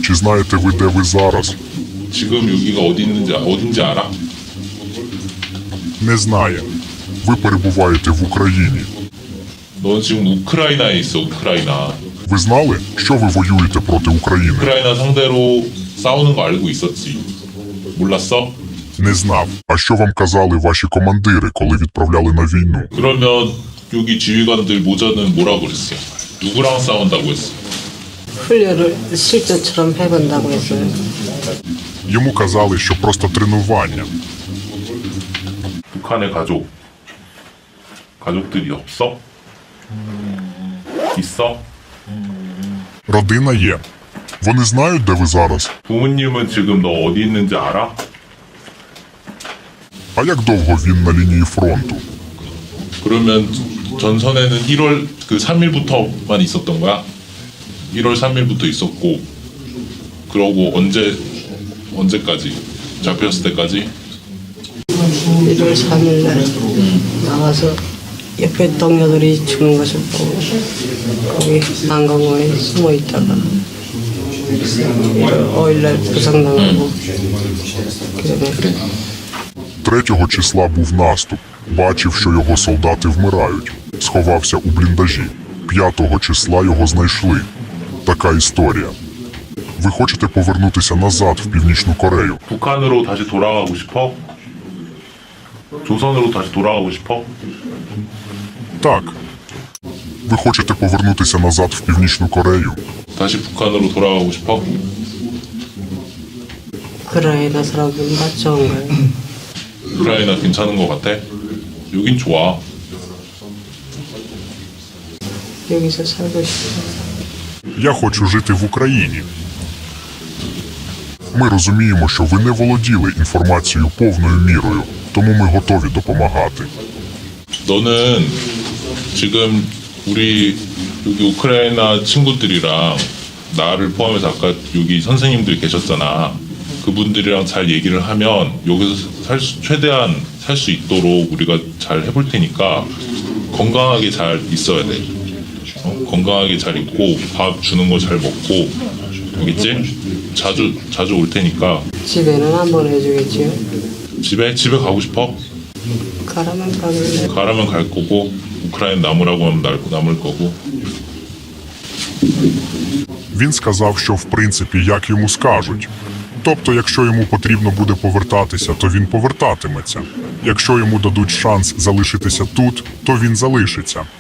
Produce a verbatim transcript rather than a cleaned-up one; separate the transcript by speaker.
Speaker 1: Чи знаєте ви, де ви зараз?
Speaker 2: 지금 여기가 어디 있는지 어딘지 알아?
Speaker 1: Не знає. Ви перебуваєте в Україні.
Speaker 2: 넌 지금 우크라이나에 있어. 우크라이나.
Speaker 1: Ви знали, що ви воюєте проти України?
Speaker 2: 우크라이나 상대로 싸우는 거 알고 있었지. 몰랐어?
Speaker 1: Не знав. А що вам казали ваші командири, коли відправляли на війну?
Speaker 2: 그러면 여기 지휘관들 모자는 뭐라고 그랬어? 누구랑 싸운다고 했어?
Speaker 3: 훈련을 실전처럼 해본다고 했어요.
Speaker 1: Йому казали, що просто тренування.
Speaker 2: 북한의 가족. 가족들이 없어? 있어?
Speaker 1: Родина є. Вони знають, де ви зараз?
Speaker 2: 부모님은 지금 너 어디 있는지 알아?
Speaker 1: А як довго він на лінії фронту?
Speaker 2: 그러면 전선에는 일월 그 삼 일부터만 있었던 거야? 일월 삼 일부터 있었고 그러고 언제 언제까지? 잡혔을 때까지?
Speaker 3: 일월 삼일 날 나와서 옆에 동료들이 죽는 것을 보고 거기 난강원에 숨어 있다가 오일 날 부상당하고 그다음에
Speaker 1: Третього числа був наступ. Бачив, що його солдати вмирають. Сховався у бліндажі. П'ятого числа його знайшли. Така історія. Ви хочете повернутися назад в Північну Корею?
Speaker 2: 북한으로 다시 돌아가고 싶어? 조선으로 다시 돌아가고 싶어?
Speaker 1: Так. Ви хочете повернутися назад в Північну Корею?
Speaker 2: 다시 북한으로 돌아가고 싶어?
Speaker 3: 우크라이나 사람들은 다 좋은가요?
Speaker 2: 우크라이나 괜찮은 것 같아? 여긴 좋아.
Speaker 3: 여기서 살고 싶어요.
Speaker 1: Я хочу жити в Україні. Ми розуміємо, що ви не володіли інформацією повною мірою, тому ми готові допомагати.
Speaker 2: 너는 지금 우리 여기 우크라이나 친구들이랑 나를 포함해서 아까 여기 선생님들 계셨잖아. 그분들이랑 잘 얘기를 하면 여기서 살 수, 최대한 살 수 있도록 우리가 잘 해볼 테니까 건강하게 잘 있어야 돼. 어? 건강하게 잘 있고 밥 주는 거 잘 먹고 알겠지? 자주 자주 올 테니까
Speaker 3: 집에는 안 보내주겠지요?
Speaker 2: 집에 집에 가고 싶어?
Speaker 3: 가라면 가길래
Speaker 2: 가라면 갈 거고 우크라이나 남으라고 하면 날- 남을 거고.
Speaker 1: Він сказав, що в принципі як йому скажуть. Тобто, якщо йому потрібно буде повертатися, то він повертатиметься. Якщо йому дадуть шанс залишитися тут, то він залишиться.